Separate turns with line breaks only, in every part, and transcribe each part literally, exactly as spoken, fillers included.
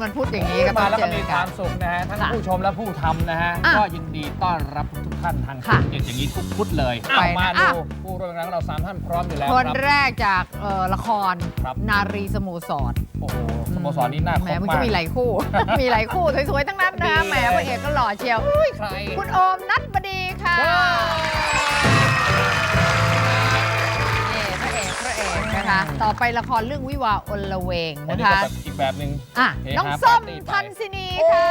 วันพุธอย่างนี้ก็มา
มาแล้ว
เจ
ก็
อ
มีค
กั
วาน มสุขนะฮะทั้ง
ค่ะ
ผู้ชมและผู้ทำนะฮะ
อ่ะ
ก็ยินดีต้อนรับทุกท่านทาง
ค่ะ
ช่องเจ็ดอย่างนี้ทุกพุธเลย
ไป
เอา
นะ
มา
อ่ะ
ดูผู้ร่วมงานของเราสามท่านพร้อมอยู่แล้ว
คน
ครับ
แรกจากเอ่อละคร
ครับ
นารีสโมสร
โอ้โหสโมสรนี้น่าค
แหม
บ
มัน
มา
ก็
ก
มีหลายคู่ มีหลายคู่สวยๆทั้งนั้นนะ
ดี
แหมพระเอกก็หล่อเชียว
ใคร
คุณโอมนัทบดีค่ะ
ว้าว
นี่พระเอกพระเอกนะคะ ต่อไปละครเรื่องวิวาห์อลเวง
วัน
นะ
นี้ก็
คะ
แบบอีกแบบหนึ่ง
อ่ะ
เฮฮา
น้องส้ม
ปาร์ตี้ไป
ทันสินีค่ะ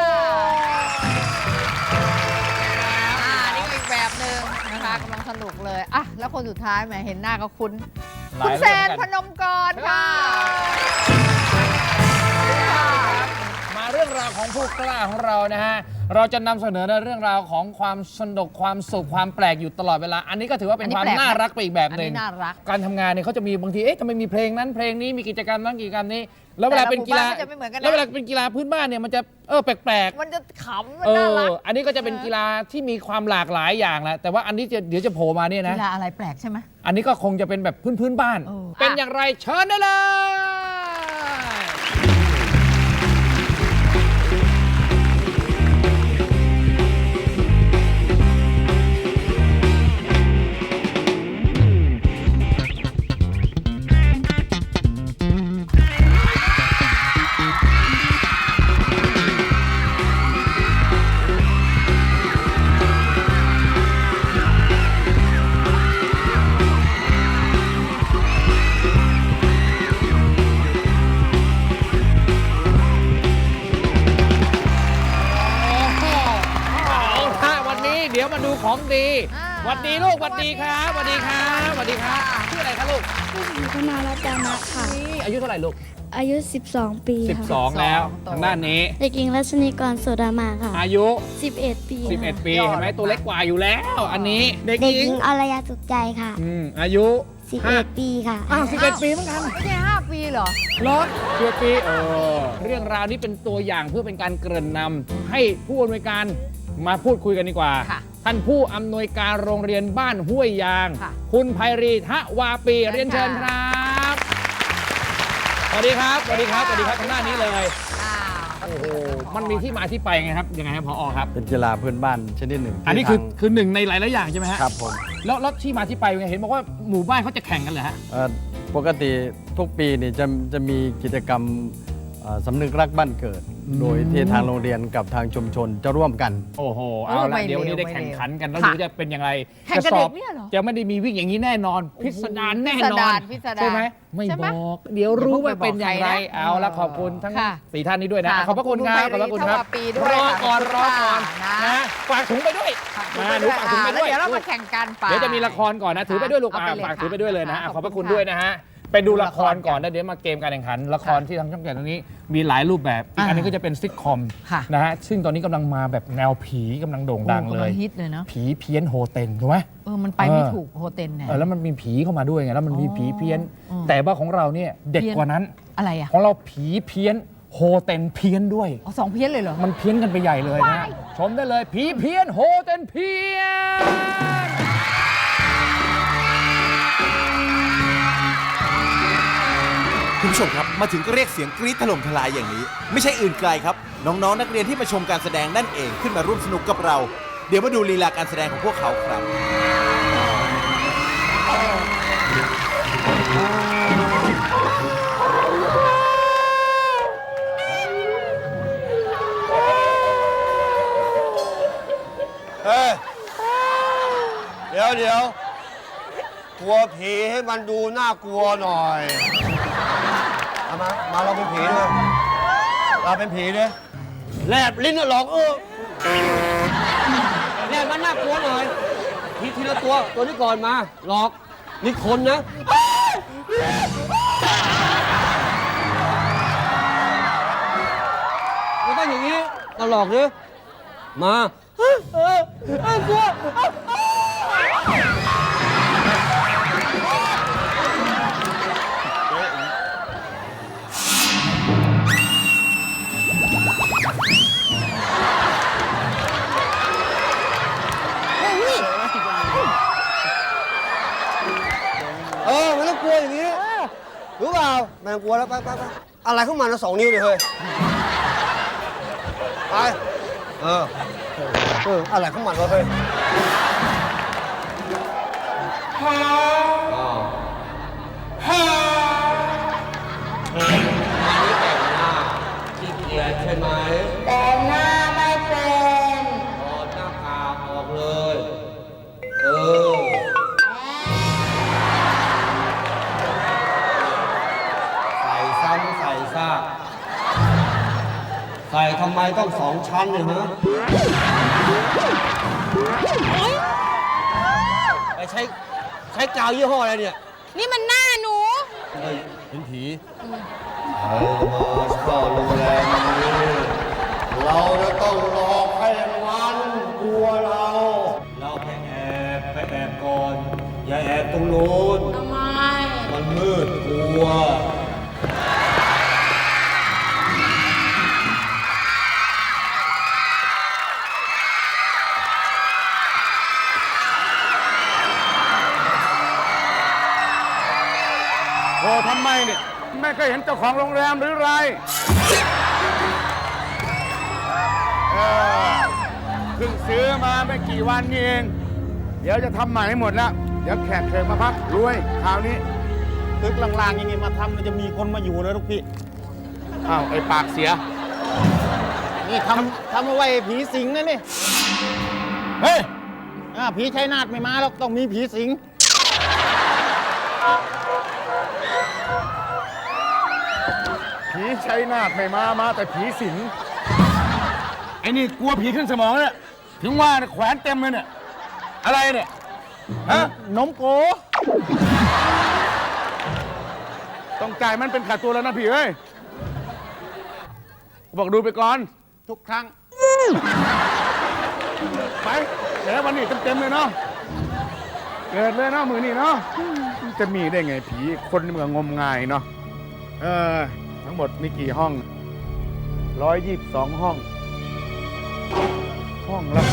อ่านี่ก็อีกแบบหนึ่งนะคะกำลังสนุกเลยอ่ะแล้วคนสุดท้ายแหมเห็นหน้าก็คุ้น
หลา
คุณ
ย
แซ
เรื่อง
น
กัน
พนมกรค่ะ
มาเรื่องราวของผู้กล้าของเรานะฮะ เราจะนำเสนอในเรื่องราวของความสนุกความสุขความแปลกอยู่ตลอดเวลา อันนี้ก็ถือว่าเป็นความน่ารักไปอีกแบบ
อัน
หนึ่ง
นี้น่ารัก
การทำงานเนี่ยเขาจะมีบางที เอ๊ะทำไมมีเพลงนั้นเพลงนี้มีกิจกรรมนั้นกิจกรรมนี้ แล้วเวลาเป็นกีฬา
แต่ละหมู่บ้านก็จะไม่เหมือนกันนะ
แล้วเวลาเป็นกีฬาพื้นบ้านเนี่ยมันจะเออแปลก
มันจะขำมัน
ๆเอ
น่ารั
อก อันนี้ก็จะเป็นกีฬาที่มีความหลากหลายอย่างแหละแต่ว่าอันนี้จะเดี๋ยวจะโผล่มาเนี่ยนะ
กีฬาอะไรแปลกใช่ไหม
อันนี้ก็คงจะเป็นแบบพื้นพื้นๆบ้าน
เออ
เป็น
อ่ะ
อย่างไรเชิญได้เลย เอาละวันนี้เดี๋ยวมาดูของดี
อ่า
หวัดดีลูกหวัดดีครับหวัดดีครับหวัดดีครับชื่ออะไรครับลูก
ชื่อธนารัตน์นะค่ะ
นี่อายุเท่าไหร่ลูก
อายุ สิบสอง ปีค่ะ
สิบสอง แล้วทางด้านนี้
เด็กหญิงรัชนีกรโสดามาค่ะ
อายุ
สิบเอ็ด ปี
สิบเอ็ด
ค่ะ
ปี
ยอด
เห็นไหมตัวเล็กกว่าอยู่แล้ว อันนี้เด็ก
เด็ก
ห
ห
ญิ
ญิ
ง
งอรยาสุขใจค่ะ
อืมอายุ
สิบ
ห้า
เอ็ด ปีค่ะ
อ้าวสิบเอ็ดปีเหมือนกัน
ไม่ใช่ห้าปีเหรอ
เหรอสิบเอ็ดปีเออเรื่องราวนี้เป็นตัวอย่างเพื่อเป็นการเกริ่นนำให้ผู้อำนวยการมาพูดคุยกันดีกว่า
ค่ะ
ท่านผู้อำนวยการโรงเรียนบ้านห้วยยาง
ค่ะ
คุณไพรีทะวาปี
เชิญ
เรียนเชิญค
ค่ะ
รับสวัสดีครับสวัสดีครับสวัสดีครับทางด้านนี้เลย
อ้าว
โอ้โหมันมีที่มาที่ไปไงครับยังไงครับผอครับ
เป็นกีฬาพื้นบ้านชนิดหนึ่ง
อันนี้คือ
ที่ทาง
คือหนึ่งในหลาย ๆ อย่างใช่ไหมฮะ
ครับผม
แล้วแล้วที่มาที่ไปยังไงเห็นบอกว่าหมู่บ้านเขาจะแข่งกันเหรอฮะ
เอ่อปกติทุกปีนี่จะจะมีกิจกรรมเอ่อสำนึกรักบ้านเกิด
อืม
โดยที่ทางโรงเรียนกับทางชุมชนจะร่วมกัน
โอ้โหเอาละ
ไม่
เดี๋ยววันนี้
เร็ว
ได้แข่ง
ไม่เร็ว
ขันกันแล้ว
ค่ะ
ดูจะเป็นอย่างไร
แข่งกับ
จะส
เด็
อบ
กเนี่ยเหรอ
จะไม่ได้มีวิ่งอย่างนี้แน่นอน พิสดารแน่นอน
พิสดาร
ใช่ไหมไม่
ใช่ไหม
บอก เดี๋ยวรู้ว่าเป็นอย่างไร
อย่าเพิ่งไปบอกใครนะ
เอาละขอบคุณทั้ง
ค่ะ
สี่ท่านนี้ด้วยนะ
ค่ะ
ขอบพระคุณครับ
ขอบคุณ
ครับ
ทวาปีด้วย
รอ
ค่ะ
ก่อนรอก่อน
นะ
นะฝากถุงไปด้วยมาหนูฝากถุงไป
อ่า
ด้วย
แล้วเดี๋ยวเรามาแข่งกันไป
เดี๋ยวจะมีละครก่อนนะถือไปด้วยลูก
เอา
อ่า
ไปเลย
ฝาก
ค่ะ
ถือไปด้วยเลยนะอ่ะ
ข
ข
อ
อ
บบ คุ
พระคุณ
ณ
ด้วยนะฮะไปดูละคร
ดูละคร
ก่อนนะเดี๋ยวมาเกมการแข่งขันละครที่ทางช่องเจ็ดตรงนี้มีหลายรูปแบบอีก
อ่า
อันนี้ก็จะเป็นซิทคอม
ค่ะ
นะฮะซึ่งตอนนี้กำลังมาแบบแนวผีกำลังโด่งดัง
โอ้
เล
กำ
ย
งฮิตเลยเนาะ
ผีเพี้ยนโฮเทนถูกไหม
เออมันไปไม่
เออ
ถูกโฮเทลเนี่ย
เออแล้วมันมีผีเข้ามาด้วยไงแล้วมันมี
อ๋อ
ผีเพี้ยน
อืม
แต่ว่าของเราเนี่ยเด็ก
เพี้ยน
กว่านั้น
อะไรอ่ะ
ของเราผีเพี้ยนโฮเทนเพี้ยนด้วย
อ๋อสองเพี้ยนเลยเหรอ
มันเพี้ยนกันไปใหญ่เลยนะชมได้เลยผีเพี้ยนโฮเทนเพี้ยน
คุณผู้ชมครับมาถึงก็เรียกเสียงกรี๊ดถล่มทลายอย่างนี้ ไม่ใช่อื่นไกลครับ น้องๆ นักเรียนที่มาชมการแสดงนั่นเองขึ้นมาร่วมสนุกกับเรา เดี๋ยวมาดูลีลาการแสดงของพวกเขาครับ
เฮ้ย เดี๋ยวเดี๋ยวกลัวผีให้มันดูน่ากลัวหน่อยเอามา มาเราเป็นผีด้วยเราเป็นผีด้วยแลบลิ้นน่ะหลอกเออแลบมันน่ากลัวหน่อยทีทีละตัว ตัวนี้ก่อนมา หลอก นี่คนนะไม่ต้องอย่างนี้ต้องหลอกดิมาเออเออเออกลัว เออไม่ต้องกลัวอย่างนี้รู้เปล่าไม่ต้องกลัวแล้วไปไปไปอะไรเข้ามานะสองนิ้วเลยเฮ้ยไป เออ เออ อะไรของมันวะเฮ้ยอ้าวมันนี่แต่งหน้าขี้เกียจใช่ไหม
แต่งหน้าไม่เป็น
ถอดหน้ากากออกเลย เออ ใส่ซ้ำใส่ซากใส่ทำไมต้องสองชั้นเนี่ยฮะไปใช้ใช้กาวยี่ห้ออะไรเนี่ย
นี่มันหน้าหนู
เฮ้ยเห็นผีเออมาเช่าโรงแรมนี้เราจะต้องหลอกให้มันกลัวเรา เราไปแอบไปแอบก่อน อย่าแอบตรงโน้น
ทำไม
มันมืดกลัว
โอ้ทำไมเนี่ยไม่เคยเห็นเจ้าของโรงแรมหรือไรเออเพิ่งซื้อมาไม่กี่วันนี่เอง เดี๋ยวจะทำใหม่ให้หมดแล้ว เดี๋ยวแขกเชิญมาพักรวยคราวนี้ตึกล่างๆอย่างนี้มาทำมันจะมีคนมาอยู่นะลูกพี่อ้าวไอ้ปากเสีย นี่ทำทำเอาไว้ผีสิงนะนี่เฮ้ยอ่าผีชัยนาทไม่มาแล้วต้องมีผีสิงผีชัยนาทไม่มา มาแต่ผีสิง ไอ้นี่กลัวผีขึ้นสมองเนี่ยถึงว่าแขวนเต็มเลยเนี่ย อะไรเนี่ย ฮะ นมโก ต้องจ่ายมันเป็นขาดตัวแล้วนะพี่เอ้ย บอกดูไปก่อน ทุกครั้ง ไปแล้ววันนี้เต็มๆเลยเนาะ เกิดเลยเนาะมือนี่เนาะ จะมีได้ไงผีคนเมืองงมงายเนาะ เออ ทั้งหมดมีกี่ห้อง ร้อยยี่สิบสองห้อง ห้องละ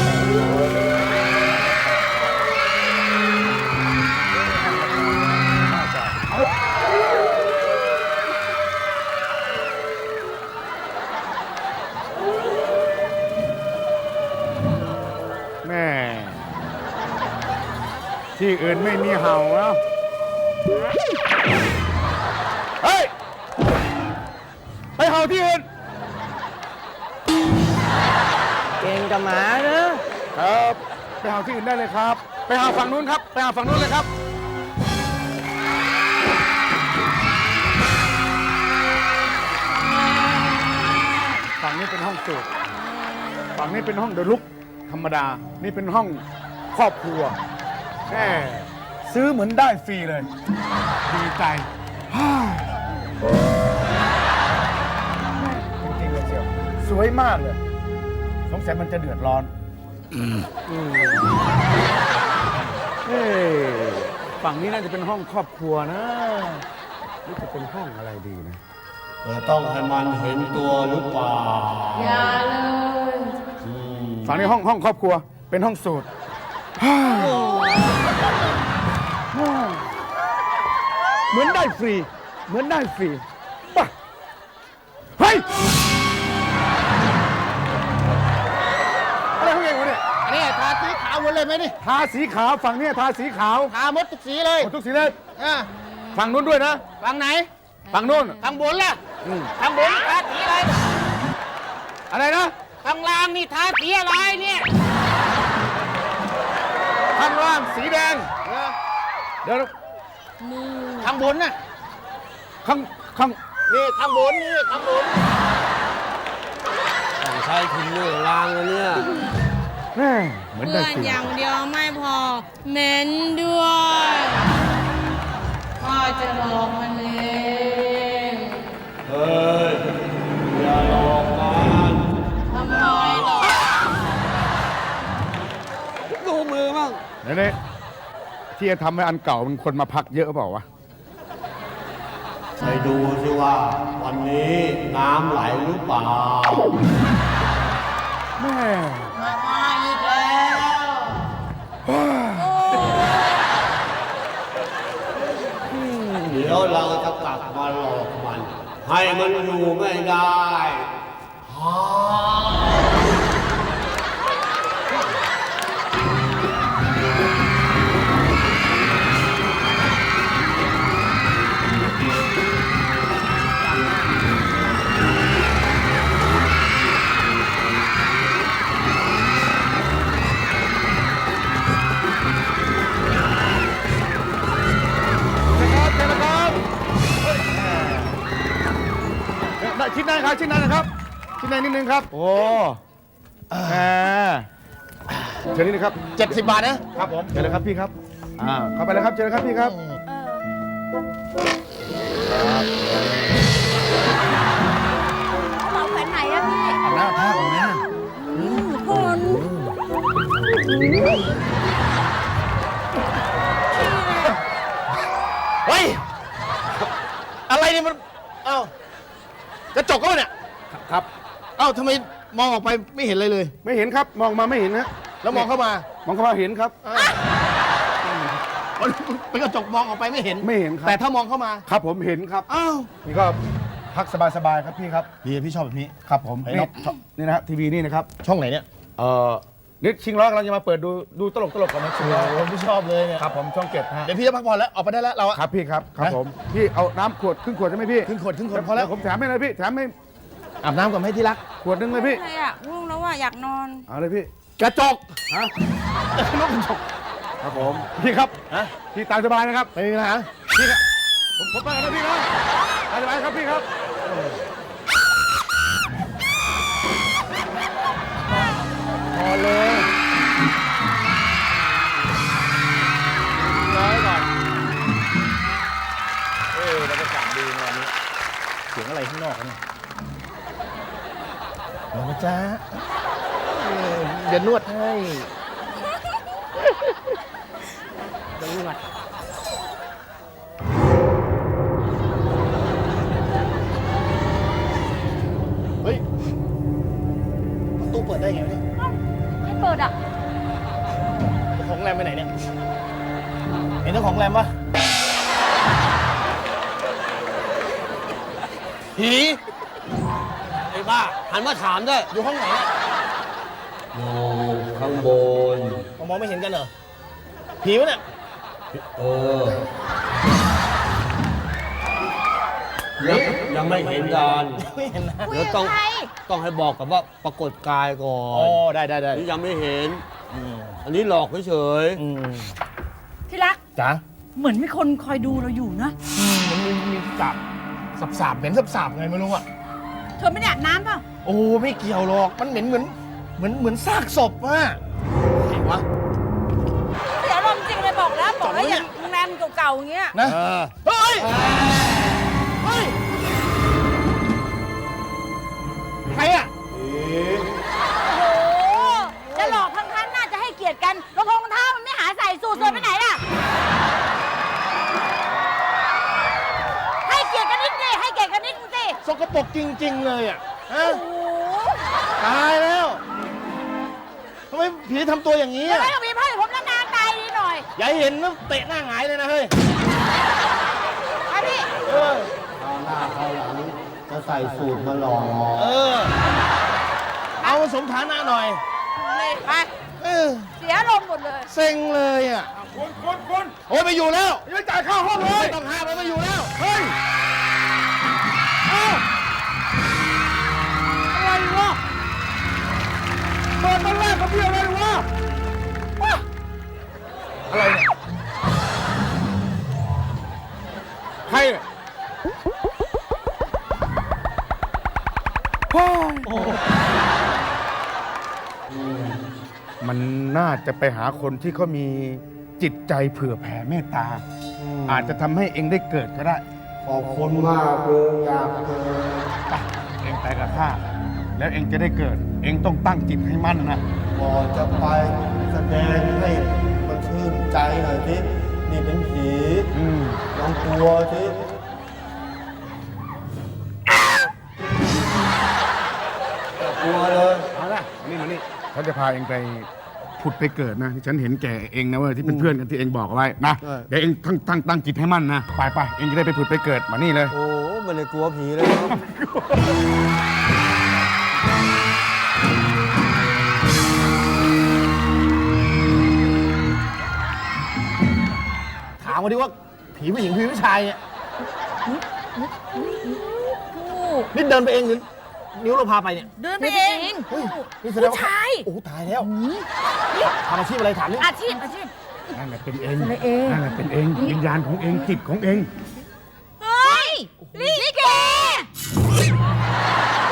แม่ ที่อื่นไม่มีเห่าแล้วเฮ้ย ไปเห่าที่อื่น
เก่งกับหมาเนอะ
ครับ ไปหาที่อื่นได้เลยครับ ไปหาฝั่งนู้นครับ ไปหาฝั่งนู้นเลยครับ ฝั่งนี้เป็นห้องสูตรฝั่งนี้เป็นห้องเดลุกธรรมดา นี่เป็นห้องครอบครัวแม่ซื้อเหมือนได้ฟรีเลย ดีใจฮ่าจริงๆเลยเชียวสวยมากเลย สงสัยมันจะเดือดร้อนเฮ้ยฝั่งนี้น่าจะเป็นห้องครอบครัวนะนี่จะเป็นห้องอะไรดีนะ
เราต้องให้มันเห็นตัวหรือเปล่า
อย่าเลย
ฝั่งนี้ห้องห้องครอบครัว เป็นห้องสูตรเหมือนได้ฟรี เหมือนได้ฟรีป่ะเฮ้ย อะไรของเองวะเนี่ย
อันนี้ทาสีขาวหมดเลยไหมนี่
ทาสีขาวฝั่งนี้ทาสีขาว
ทาหมดทุกสีเลย
หมดทุกสีเลย
อ่า
ฝั่งนู้นด้วยนะ
ฝั่งไหน
ฝั่งนู้น
ทางบนล่ะ
อืม
ทางบนทาสีอะไร
อะไรนะ
ทางล่างนี่ทาสีอะไรเนี่ย
ข้างล่างสีแดง
เออ
เดี๋ยว
ทางบนน่ะ
ข้างข้าง
นี่ทางบนนี่ทางบน
ต้องใช้ถุงมือล้างนะเนี่ย
แม่เหมือนได้
เพื่อน
ฟรี
อย่างเดียวไม่พอเหม็นด้วยพ่อจะบอกมันเอง
เฮ้ย อย่าหลอกมัน
ทำไมหรอ
ดูมือมั่ง
นี่นี่ที่จะทำให้อันเก่ามันคนมาพักเยอะเปล่าวะ
ไปดูสิว่า วันนี้น้ำไหลหรือเปล่า
แม่
มามาอีกแล้ว
เดี๋ยวเราจะกลับมาหลอกมัน ให้มันอยู่ไม่ได้ฮ่า
ายชิ้นนั้นนะครับ ชิ้นในนิดนึงครับ โอ้แหมเชิญนี่นะครับ
เจ็ดสิบบาทนะครับ
ผมเชิญเลยครับพี่ครับอ่าเข้าไปเลยครับเชิญเลยครับพี่ครับ
เหมาแขวนไหนอะพี่
เอาหน้าท่าของแม่
เฮ้ย อะไรเนี่ยมัน เอ้ากระจกก็มันเนี่ย
ครับ
เอ้าทำไมมองออกไปไม่เห็นอะไรเลย
ไม่เห็นครับมองมาไม่เห็นนะ
แล้วมองเข้ามาม
องเข้ามาเห็นครับ
มันเป็นกระจกมองออกไปไม่เห็น
ไม่เห็นครับ
แต่ถ้ามองเข้ามา
ครับผมเห็นครับ
อ้าว
นี่ก็พักสบายๆครับพี่ครับ
พี่พี่ชอบแบบนี้
ครับผม
ไอ้
นี่
นก
นี่นะฮะทีวีนี่นะครับ
ช่องไหนเนี่ย
เอ่อนี่ชิงร้อยกำลังจะมาเปิดดูดูตลกตลกกันนะชิงร้อย
โอ้พี่ชอบเลยเนี่ย
ครับผมช่องเจ็ดฮะ
เดี๋ยวพี่จะพักผ่อนแล้วออกไปได้แล้วเราอะ
ครับพี่ครับครับ
นะ
ผมพี่เอาน้ำขวดครึ่งขวดใช่ไหมพี่
ครึ่งขวดครึ่งขวดพอแล้ว
เดี๋ยผมแถมให้เลยพี่แถมให้
อาบน้ำก่อนไหมที่รัก
ขวดหนึงเลยพี่
อะไรอ่ะง่วงแล้วว่าอยากนอน
เอาเลยพี่
กระจก
ฮะ
นกกระจก
ครับผมพี่ครับ
ฮะ
พี่ตามสบายนะครับ
ไม่มีปัญหา
พี่ครับผมผมไปกันนะพี่นะตามสบายครับพี่ครับ
พอเลยน้อยก่อนเออบรรยากาศดีงานนี้เสียงอะไรข้างนอกวะเนี่ยเดี๋ยวนะจ๊ะเออเดี๋ยวนวดให้เดี๋ยวนวดเฮ้ยประตูเปิดได้ไงวะเนี่ย
ให้เปิดอะ
เจ้าของแรมไปไหนเนี่ย เห็นเจ้าของแรมปะผีไอ้บ้า หันมาถามด้วย อยู่ห้องไหนเนี่ย
อยู่ข้างบน
มองมองไม่เห็นกันเหรอ ผีวะเนี่ย
เออ ยังยังไม่เห็นกัน
ไม่เห็นนะ
คุย
เดี๋ยว
กับ
ต้อง
ใคร
ต้องให้บอกกับว่าปรากฏกายก่อ
อ๋อ
น
ได้ได้ได้
นี่ยังไม่เห็น
อืม
อันนี้หลอกเฉย
อืม
ที่รัก
จ๋า
เหมือนมีคนคอยดูเราอยู่นะ
อืมมันมีมีสับสับสาบเหม็นสับสาบไงไม่รู้อ่ะ
เธอไม่ได้อาบน้ำเปล่า
โอ้ไม่เกี่ยวหรอก มันเหม็นเหมือนเหมือนเหมือนซากศพอะไหนวะ
เสียอารมณ์จริงเลยบอกแล้วบอกแล้วอย่างโรงแรมเก่าๆอย่างเงี้ย
นะ เฮ้ย เฮ้ย ใครอะ
โอ้โหจะหลอกทั้งท่านน่าจะให้เกียรติกันรองเท้ารองเท้ามันไม่หาใส่สูทสวยไปไหนล่ะ ให้เกียรติกันนิดสิให้เกียรติกันนิดสิ
สกปรกจริง ๆ เลยอะฮะ
โอ้โห
ตายแล้วทำไมผีทำตัวอย่างนี้
จะ
อะ
ไม่ต้องมีผ้าผมนานๆตายดีหน่อย
อย่าให้เห็นนะเตะหน้าหงายเลยนะเฮ้ย
ไปพี่
เออ
จะใส่สูตรมาหลอก
เออ เอามาสมฐานะหน่อย
นี่ไป
เออ
เสียอารมณ์หมดเลย
เซ็งเลยอะ
คุณคุณคุณ
โอ้ยไปอยู่แล้ว
ยังจ่ายค่าห้องเลย
ไม่ต้องห้ามแล้วไปอยู่แล้ว
เฮ้ย
เอ้าอะไรวะ
เปิดมันแรกกับพี่อะไรวะ
อะไรเนี่ย
ใครเนี่ยโอ้ยมันน่าจะไปหาคนที่เขามีจิตใจเผื่อแผ่เมตตา อาจจะทำให้เองได้เกิดก็ได้
ขอบคุณมากเลยอยากเจอ
ไปเองไปกับข้าแล้วเองจะได้เกิด เองต้องตั้งจิตให้มั่นนะ
ก่อนจะไปแสดงให้มันชื่นใจหน่อยสินี่เป็นผี
อืม
ลองกลัวสิกลัวเลย
เอาละนี่มานี่เขาจะพาเองไปผุดไปเกิดนะที่ฉันเห็นแก่เองนะเว้ยที่เป็นเพื่อนกันที่เองบอกเอาไว้นะเดี๋ยวเองตั้งตั้งตั้งจิตให้มั่นนะไปไปเองจะได้ไปผุดไปเกิดมานี่เลย
โอ้ไม่ได้กลัวผีเลยครับ
ถามมาดิว่าผีผู้หญิงผีผู้ชายเนี่ยนี่เดินไปเองหรือนิ้วเราพาไปเนี่ย
เดินไปเอง
เฮ้ยนี่แสดงว่า
ผู้ชาย
โอ้ตายแล้วทำอาชีพอะไรถามนี่
อาชีพอาชีพ
นั่นแหละเป็นเอง
เป็นเอง
นั่นแหละเป็นเองวิญญาณของเองจิตของเอง
เฮ้ยลิเก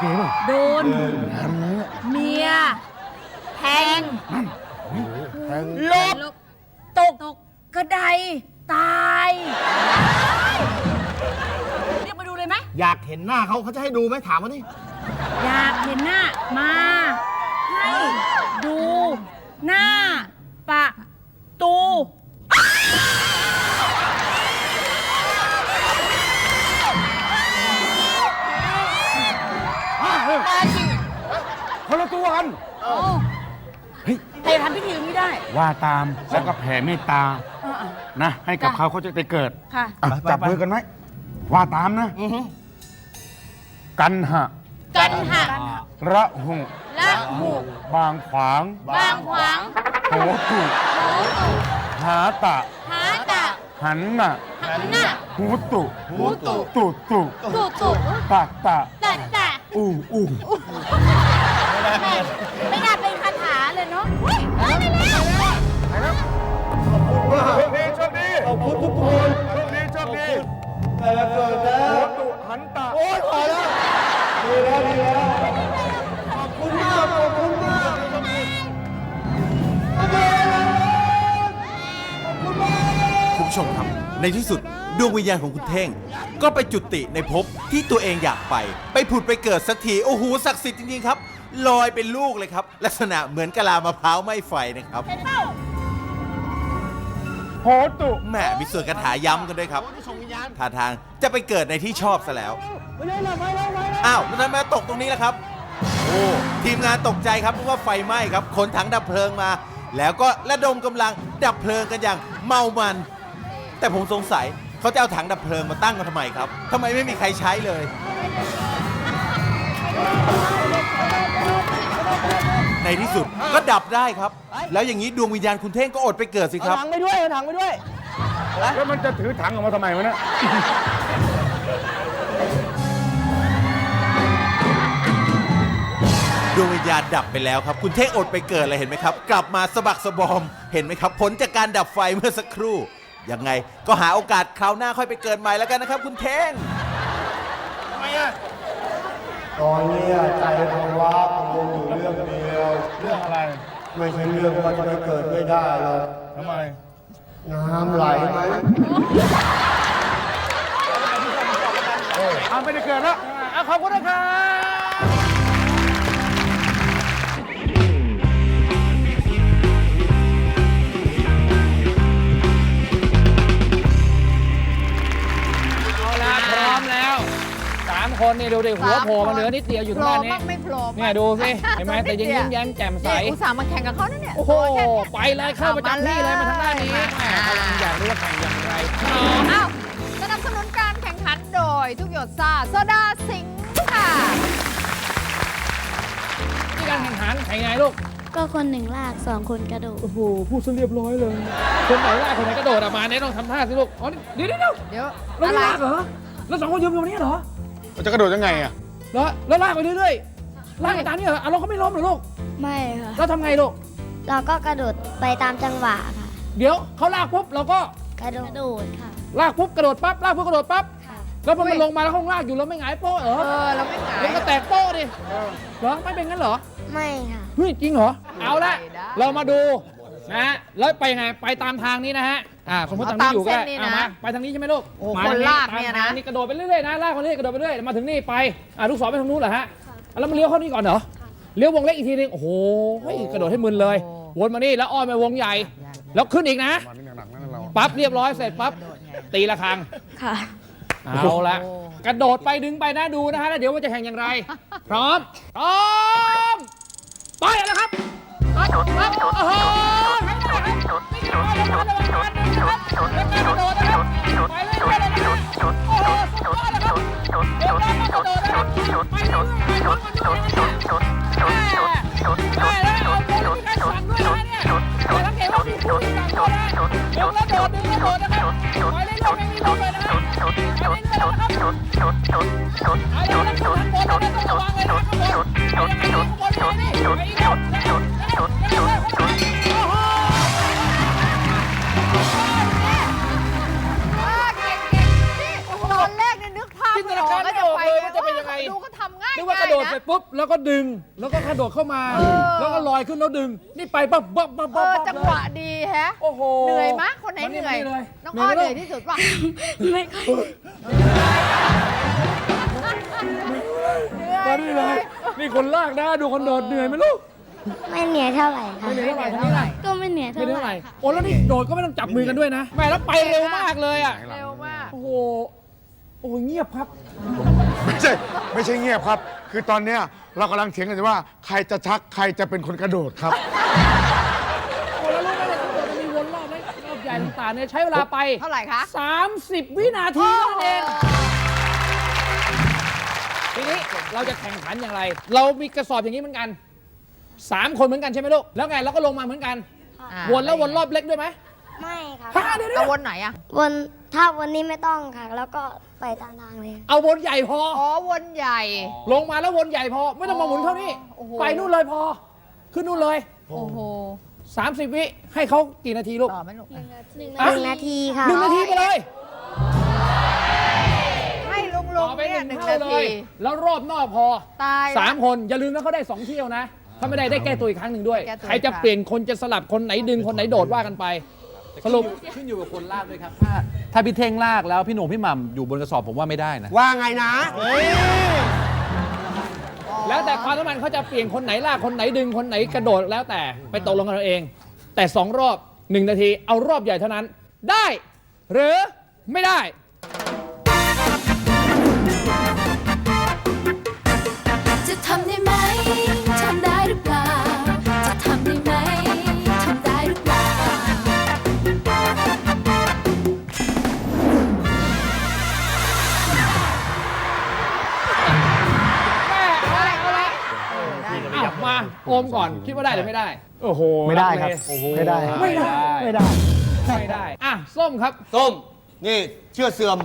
เป่ะ
โดน เมียแทง
แทง
ลบตกกระไดตายเรียกมาดูเลยไหม
อยากเห็นหน้าเขาเขาจะให้ดูไหมถามมาดิ
อยากเห็นหน้ามา ให้ดูหน้าปะตู
คนละตัวกัน
ใครทำพิธีอย่างนี้ได้
ว่าตามแล้วก็แผ่เมตตา
เออ
นะ ให้กับเขาเขาจะได้เกิด
ๆค่ะ
อ่ะจับมือกันไหมว่าตามนะกันหะ
กันหัก
ระหุ
ละหู
บางขวาง
บางขวาง
โหตุหาตะ
หาตะ
หันน่ะ
หันหน้า
หูตุ
หูตุ
ตุตุ
ตุตุ
ตะตะ
ตะตะ
อู้อู้
ไม่น่าเป็นคาถาเลยเนาะเฮ้ยเฮ้ยไปแล้ว
โชคดีโชคดีขอบคุณทุกคนโชคดีโชคดีแต่เกิดแล้วหูตุหันตะโอ้ยพอแล้วดีแล้วดีแล้วขอบคุณมากขอบคุณมาก
คุณผู้ชมครับ ในที่สุดดวงวิญญาณของคุณเท่ง ก็ไปจุติในภพที่ตัวเองอยากไป ไปผุดไปเกิดสักที โอ้โหศักดิ์สิทธิ์จริงๆครับ ลอยเป็นลูกเลยครับ ลักษณะเหมือนกะลามะพร้าวไม่ไฟนะครับ
โหตุ
แหมมีส่วนคาถาย้ำกันด้วยครับท่าทางจะไปเกิดในที่ชอบซะแล้ว อ้าวแล้วทำไมมาตกตรงนี้ล่ะครับ โอ้ทีมงานตกใจครับเพราะว่าไฟไหม้ครับขนถังดับเพลิงมา แล้วก็ระดมกำลังดับเพลิงกันอย่างเมามัน แต่ผมสงสัยเขาจะเอาถังดับเพลิงมาตั้งกันทำไมครับทำไมไม่มีใครใช้เลย ในที่สุดก็ดับได้ครับ แล้วอย่างนี้ดวงวิญญาณคุณเท่งก็อดไปเกิดสิครับ
ถังไปด้วยเอาถังไปด้วย
แล้วมันจะถือถังออกมาทำไมวะเนี่ย
ดวงวิญญาณดับไปแล้วครับ คุณเท่งอดไปเกิดเลยเห็นไหมครับ กลับมาสะบักสะบอมเห็นไหมครับ ผลจากการดับไฟเมื่อสักครู่ยังไงก็หาโอกาสคราวหน้าค่อยไปเกิดใหม่แล้วกันนะครับ คุณเท่ง
ทำไมอ่ะ
ตอนนี้ใจภาวะกังวลอยู่เรื่องเดียว
เรื่องอะไร
ไม่ใช่เรื่องว่าจะไปเกิดไม่ได้หรอก
ทำไม
น้ำไหลไหม
เอาไม่ได้เกิดแล้วอ่ะขอบคุณนะครับ
เอาละพร้อมแล้วสามคนนี่ดูดิหัวโผล่มาเหลือนิดเดียวอยู่
โผ
ทาง
ล่
ด้านนี้
บ้างไม่โผล่บ้าง
เนี่ยดูสิเห็นไหมแต่ยังยิ้มแย้มแจ่มใส
นี่อุตส่าห์มาแข่งกับเขานะเนี่ย
โอ้โห
ตัวแค่เนี้ย
ไปเลยเข้าประจำที่เลยมาทางด้านนี้แหมกำลังอยากรู้ว่าแข่งอย่างไร
อ้าวสนับสนุนการแข่งขันโดยทุกหยดซ่าโซดาสิงค์ค่ะ
ที่การแข่งขันแข่งไงลูก
ก็คนหนึ่งลากสองคนกระโดด
โอ้โหพูดซะเรียบร้อยเลยคนไหนลากคนไหนกระโดดออกมาเนี่ยต้องทำท่าสิลูกอ๋อเดี๋ยวเดี๋ยวเดี๋ยว
เดี๋ยว
แล้ว
อะไร
ลากเหรอแล้วสองคนยืนอยู่ตรงนี้เหรอ
จะกระโดดยังไงอ่ะ
แล้วแล้วลากไปเรื่อยๆลากไปตามนี้เหรออ่ะเราก็ไม่ล้มเหรอลูก
ไม่ค่ะ
เราทำไงลูก
เราก็กระโดดไปตามจังหวะค่ะ
เดี๋ยวเขาลากปุ๊บเราก็
กระโดดกระโดดค่ะ
ลากปุ๊บกระโดดปั๊บลากปุ๊บกระโดดปั๊บ
ค่ะ
แล้วพอมันลงมาแล้วข้างลากอยู่เราไม่หงายโป๊ะเหรอ
เออเราไม่หงาย
มันก็แตกโป๊ะดิเหรอไม่เป็นงั้นเหรอ
ไม่ค่ะ
เฮ้ยจริงเหรอเอาละ
ไม่ได้
เรามาดูนะฮะแล้วไปไงไปตามทางนี้นะฮะอ่าสมมติทางนี้อยู่ก็ได้
เอาตามเส้นนี้นะ
เอามาไปทางนี้ใช่ไหมลูก
โอ้
มา
คน
ทง
ลากเนี่ยนะ
ตามทางนี่กระโดดไปเรื่อยๆนะลากไปเรื่อยกระโดดไปเรื่อยมาถึงนี่ไปอ่าลูกศรไปทางนู้นเหรอฮะอ่ะแล้วมาเลี้ยวเข้านี่ก่อนเหรอเลี้ยววงเล็กอีกทีนึงโอ้โหเฮ้ยกระโดดให้มึนเลย วนมานี่แล้วอ้อมไปวงใหญ่ แล้วขึ้นอีกนะ
มันนี่หนักๆนั่นเรา
ปั๊บเรียบร้อยเสร็จปั๊บตีละครัง
ค่ะ
เอาละกระโดดไปดึงไปนะดูนะฮะแล้วเดี๋ยวว่าจะแข่งอย่างไร พร้อมพร้อมไปแล้วครับปั๊บปั๊บโอ้โหไม่ได้ครับไม่ได้ครับระวังระวังนะครับแล้วการกระโดดนะครับไปเรื่อยๆเลยนะครับโอ้โหสุดยอดนะครับเดี๋ยวเรากระโดดนะครับไปเรื่อยๆไปเรื่อยๆได้แล้วเอาโดดมีการสั่นด้วยนะเนี่ยแต่สังเกตว่ามีผู้ที่สั่นด้วยนะเดี๋ยวแล้วโดดดึงแล้วโดดนะครับไปเรื่อยๆไม่มีลมเลยนะครับไปเรื่อยๆนะครับเอาเดี๋ยวนะครับข้างบนนะครับต้องระวังเลยนะครับข้างบนไปยังไงข้างบนเลยนี่ไปอีกแล้วนะครับนะครับนะครับโอ้โหตอนแรกเนี่ยนึกภาพไม่ออกก็จะไปดูก็ทำง่ายนึกว่ากระโดดเสร็จปุ๊บแล้วก็ดึงแล้วก็กระโดดเข้ามา แล้วก็ลอยขึ้นแล้วดึง นี่ไปปั๊บปั๊บปั๊บ
เอ
ปั๊บ
อ
ปั๊บ
จังหวะดีแฮะ
โอ้โห
เหนื่อยมะคนไหนเหนื่อย
มาเลย
น้องอ้อเหนื่อยที่สุดป่ะ
ไม่ค่อย
มาดิเลยนี่คนลากนะดูคนโดดเหนื่อยไหมลูก
ไม่เหนื่อยเท่าไหร่ค่ะ
ไม่เหนื่อยเท่าไหร่คนนี้ล่ะ
ก็ไม่เหนื่อยเท่า
ไม่เหนื่อย
ไห
เท่าไห
ร่
ร่โอ้แล้วนี่โดดก็ไม่ต้องจับมือกันด้วยนะแหม่แล้วไปเร็วมากเลยอ่ะ
เร็วมาก
โอ้โหโอ้โหเงียบครับ
ไม่ใช่ไม่ใช่เงียบครับ คือตอนเนี้ยเรากำลังเถียงกันอยู่ว่าใครจะชักใครจะเป็นคนกระโดดครับ
โอ้แล้วรู้ไหมว่าทั้งหมดจะมีวนรอบและรอบใหญ่ต่างๆเนี่ยใช้เวลาไป
เท่าไหร่คะ
สามสิบ วินาทีเท่านั้นเองทีนี้เราจะแข่งขันอย่างไร เรามีกระสอบอย่างนี้เหมือนกันสามคนเหมือนกันใช่ไหมลูกแล้วไงเราก็ลงมาเหมือนกัน
อ่า
วนแล้ววนรอบเล็กด้วยไหม
ไม่ค่ะ
ฮะเดี๋ยว
เอา
ๆ
วนไหนอะ
วนถ้าวันนี้ไม่ต้องค่ะ แล้วก็ไปตามทางเลย
เอาวนใหญ่พอ
อ๋อวนใหญ่
ลงมาแล้ววนใหญ่พอ ไม่ต้องมาหมุนเท่านี้
โอ้โห
ไปนู่นเลยพอ ขึ้นนู่นเลย
โอ้โห
สามสิบ วิให้เขากี่นาทีลูก
ต่อไหมลูก
หนึ่ง
อ่ะ
นาทีค่ะ
หนึ่งนาทีไปเลย
ให้ลุงลุ
ต่
ง
อไป
เนี่
ห
ย
นึ่ง
หนึ่ง
เท่า
นา
เล
ที
ย แล้วรอบนอกพอ
ตาย
สามคนอย่าลืมนะเขาได้สองเที่ยวนะ ถ้าไม่ได้ได้แก้ตัวอีกครั้งหนึ่งด้วย
แก้ตัว
ใครจะเปลี่ยนคนจะสลับคนไหนดึงคนไหนโดดว่ากันไป สรุป
ขึ้นอยู่กับคนลากด้วยครับ ถ้าถ้าพี่เท่งลากแล้วพี่โหน่งพี่หม่ำอยู่บนกระสอบผมว่าไม่ได้นะ
ว่าไงนะ
แล้วแต่ความสัมพันธ์เขาจะเปลี่ยนคนไหนลากคนไหนดึงคนไหนกระโดดแล้วแต่ไปตกลงกันเอาเอง แต่สองรอบหนึ่งนาทีเอารอบใหญ่เท่านั้น ได้ หรือไม่ได้
จะทำได้ไหม ทำได้หรือเปล่า จะทำได้ไหม ทำได้หรือเปล่า
อ้าวมาโอมก่อนคิดว่าได้หรือไม่ได้
โอ้โห
ไม่ได้ครับ
โอ้โห
ไม่ได้
ไม่ได้
ไม่ได้
ไม่ได้อ่ะส้มครับ
ส้ม นี่เชื่อเสื่อม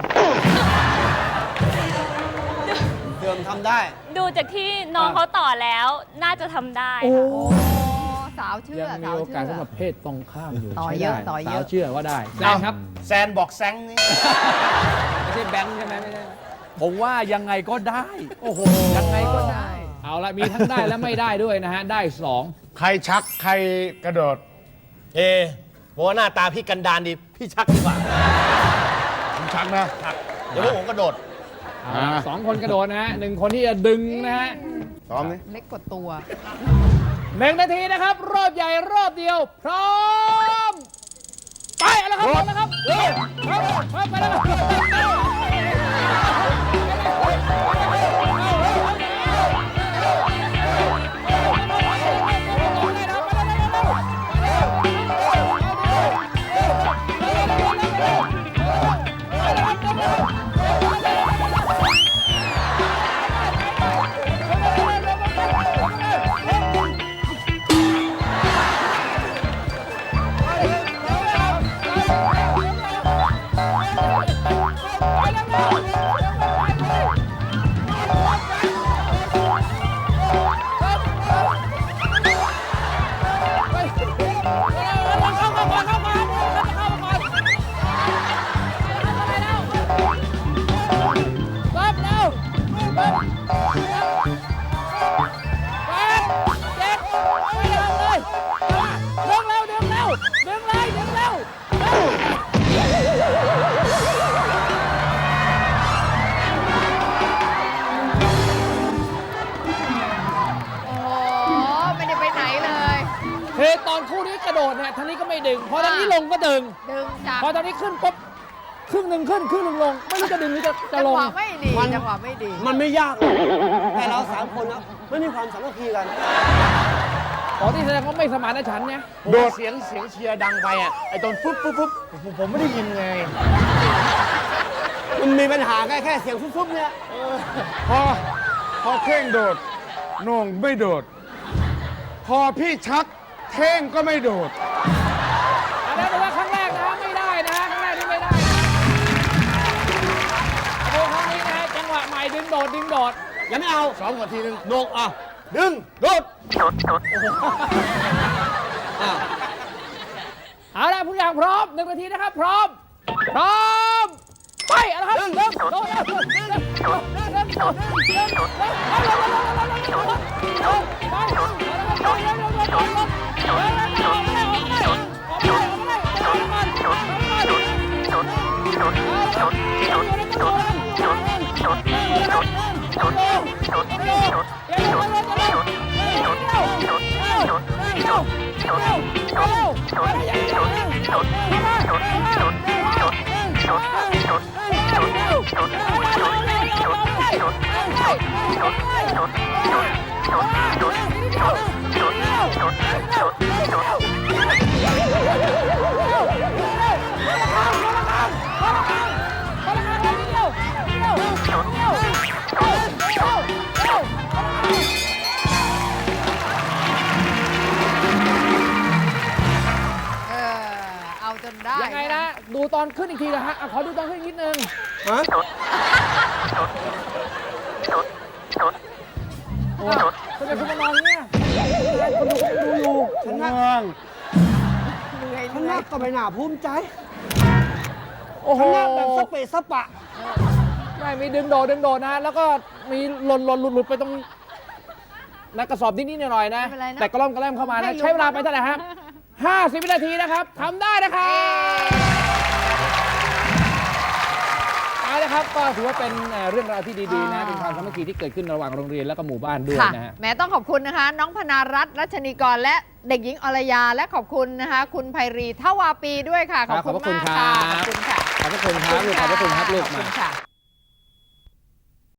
เสื่อมทำได้
ดูจากที่น้องเขาต่อแล้ว น่าจะทำได้
โอ้
โอ้สาวเชื่อ
ยังมี
สาว
โอ
เชื่
กาส
อ
สำหรับเพศตรงข้ามอยู่
ต่อ
ใช้
เยอะ
ได้
ต่อเยอะ
สาวเชื่อว่าได้แซนครับ
แซนบอกแซงนี่
ไม่ใช่แบงค์ใช่ไหมไม่ใช่
ผมว่ายังไงก็ได้
โอ้โห
ยังไงก็ได้
เอาละมีทั้งได้และไม่ได้ด้วยนะฮะ ได้สอง
ใครชักใครกระโดด
เอบอกว่าหน้าตาพี่กันดานดี พี่ชักดีกว่า
ผมชักนะ
ชัก เดี๋ยวพวกผมกระโดด
เอาละสองคนกระโดดนะฮะหนึ่งคนที่จะดึงนะฮะ
พร้อมนี่
เล็กกว่าตัว
หนึ่งนาทีนะครับ รอบใหญ่รอบเดียว พร้อม ไปเอาละครับเอาละครับเร็วครับครับไปแล้วครับ
โอ้โห ไม่ได้ไปไหนเลย
เฮ้ตอนคู่นี้กระโดดเนี่ยทางนี้ก็ไม่ดึง พอทางนี้ลงก็ดึง
ดึงจาก
พอทางนี้ขึ้นปุ๊บครึ่งหนึ่งขึ้นครึ่งหนึ่งลง ไม่รู้จะดึงหรือจะจะ
จั
ล
ง
ง
หวะไม่ดี
มัน
จังหวะไม่ดี
มันไม่ยากหรอกแต่เราสามคนนะไม่มีความสามัคคีกัน
อ๋อที่แสดงว่าไม่สมานฉันท์เนี่ย
โดด
เสียงเสียงเชียร์ดังไปอ่ะ ไอ้ตอนฟุ๊บฟุ๊บฟุ๊บผมผมไม่ได้ยินไง
มันมีปัญหาแค่แค่เสียงฟุ๊บๆเนี่ย
พอพอเท่งโดดโหน่งไม่โดด พอพี่ชักเท่งก็ไม่โดด
อันนั้นแต่ว่าครั้งแรกนะไม่ได้นะครั้งแรกนี่ไม่ได้นะดูครั้งนี้นะฮะจังหวะใหม่ดึงโดดดึงโดด
ยังไม่เอา
สองกว่าทีนึง
โหนกอ่ะ ดึง โดด
เอาละทุกอย่างพร้อมหนึ่งนาทีนะครับ พร้อม พร้อม ไปเอาละครับเริ่มโดด
เออ เอาจนได้
ยังไงนะ ดูตอนขึ้นอีกทีนะฮะอ่ะขอดูตอนขึ้นอีกนิดนึง
ฮะ
โอ้ทำไมคุณมานอนเนี่ยคนดูคนดูอยู่
ฉันนั่ง
เหนื่อย
ฉัน
เหนื่
นั่
อง ย
ก็ไม่น่าภูมิใจ
โอ้โห
ฉันนั่งแบบสเปะสปะ
ไม่มีดึงโดดดึงโดดนะ แล้วก็มีหล่นหล่นหลุดหลุดไปตรงนักกระสอบนิดๆหน่อยๆนะ
ไม่เป็นไรนะ
แต่กระล่อมกระแล่มเข้ามา
ไม่
นะ
รู้
ใช้เวลาไปเท่าไหร่ครับห้าสิบวินาทีนะครับทำได้นะครับเอาละครับก็ถือว่าเป็นเอ่อเรื่องราวที่ดีๆนะ เป็นความสามัคคีที่เกิดขึ้นระหว่างโรงเรียนและก็หมู่บ้านด้วย
ค่ะ
นะฮะ
แหม้ต้องขอบคุณนะคะ น้องพนารัตน์รัชนีกรและเด็กหญิงอรยา และขอบคุณนะคะ คุณไพรีทวาปีด้วยค่ะ ขอบคุณ
ขอบพระคุณ
มากค่ะ
ครับ
ขอบคุณค่ะ
ขอบพระคุณครับลูกขอบพระคุณครับลูก
ขอบ
มา
คุณค่ะ